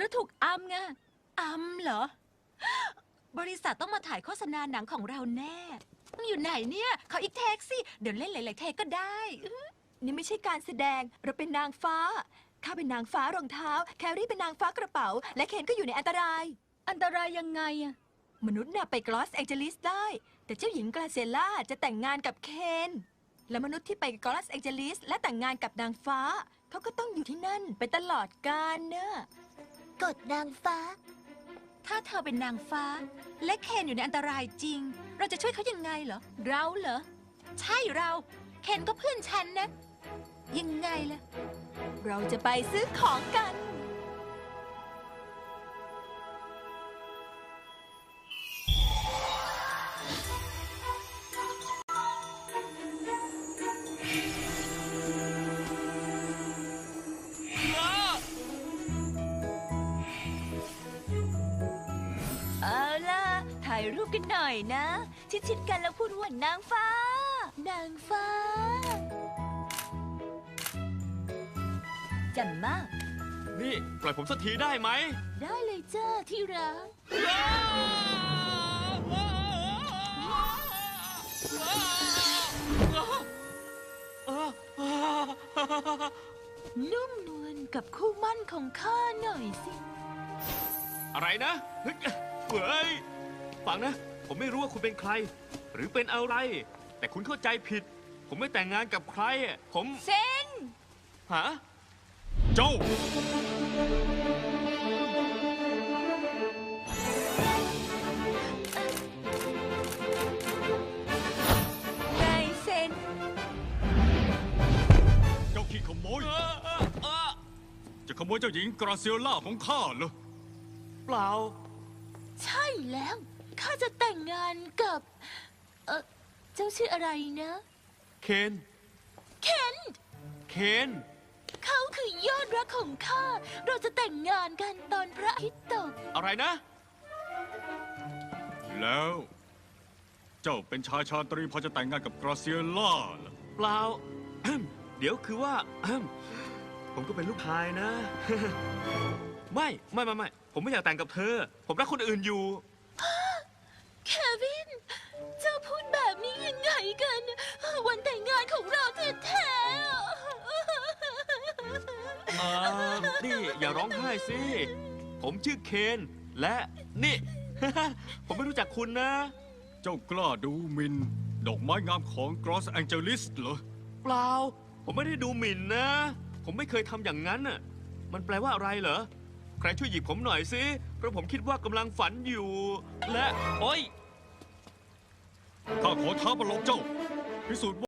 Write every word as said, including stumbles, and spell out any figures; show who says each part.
Speaker 1: เราถูกอำไงอำเหรอ บริษัทต้องมาถ่ายโฆษณาหนังของเราแน่ต้องอยู่ไหนเนี่ยเขาอีกเทคสิเดี๋ยวเล่นหลายๆเทคก็ได้นี่ไม่ใช่การแสดงเราเป็นนางฟ้าข้าเป็นนางฟ้ารองเท้าแครี่เป็นนางฟ้ากระเป๋าและเคนก็อยู่ในอันตรายอันตรายยังไงอะมนุษย์น่ะไปกลอสแองเจลิสได้แต่เจ้าหญิงกราเซล่าจะแต่งงานกับเคนและมนุษย์ที่ไปกลอสแองเจลิสและแต่งงานกับนางฟ้าเขาก็ต้องอยู่ที่นั่นไปตลอดกาลเนอะ
Speaker 2: กฎนางฟ้า
Speaker 1: ถ้าเธอเป็นนางฟ้าและเคนอยู่ในอันตรายจริงเราจะช่วยเขายังไงเหรอเราเหรอใช่เราเคนก็เพื่อนฉันนะยังไงล่ะเราจะไปซื้อของกันเอาล่ะถ่ายรูปกันหน่อยนะ ชิดๆกันแล้วพูดว่านางฟ้า นางฟ้าจันมาก
Speaker 3: นี่ปล่อยผมสักทีได้ไหม
Speaker 1: ได้เลยจ้าที่รักนุ่มนวลกับคู่มั่นของข้าหน่อยสิ
Speaker 3: อะไรนะเฮ้ยเฮ้ยฟังนะ ผมไม่รู้ว่าคุณเป็นใคร หรือเป็นอะไร แต่คุณเข้าใจผิด ผมไม่แต่งงานกับใครอะผม
Speaker 1: เซน
Speaker 3: ฮะเจ้า
Speaker 1: ไงเซน
Speaker 4: เจ้าขี้ขโมย จะขโมยเจ้าหญิงกราเซียล่าของข้าเหรอ
Speaker 3: เปล่า
Speaker 1: ใช่แล้ว ข้าจะแต่งงานกับ เออเจ้าชื่ออะไรนะ
Speaker 3: เคน
Speaker 1: เคน
Speaker 3: เคน
Speaker 1: เขาคือยอดรักของข้า เราจะแต่งงานกันตอนพระอาทิตย์ตก
Speaker 3: อะไรนะ
Speaker 4: แล้ว เจ้าเป็นชายชาตรีพอจะแต่งงานกับกราเซียล่าเหรอ
Speaker 3: เปล่า เดี๋ยวคือว่า ผมก็เป็นลูกชายนะ ไม่ไม่ไม่ไม่ผมไม่อยากแต่งกับเธอ ผมรักคนอื่นอยู่
Speaker 1: เควิน เจ้าพูดแบบนี้ยังไงกัน วันแต่งงานของเราแท้ๆ
Speaker 3: เออนี่อย่าร้องไห้สิ ผมชื่อเคนและนี่ ผมไม่รู้จักคุณนะ
Speaker 4: เจ้ากล้าดูหมินดอกไม้งามของกรอสแองเจลิสเหรอ
Speaker 3: เปล่า ผมไม่ได้ดูหมิ่นนะ ผมไม่เคยทำอย่างนั้นน่ะ มันแปลว่าอะไรเหรอ ใครช่วยหยิบผมหน่อยสิ เพราะผมคิดว่ากำลังฝันอยู่ และ โอ๊ย
Speaker 4: ข้าขอท้าประลองเจ้า พิสูจน์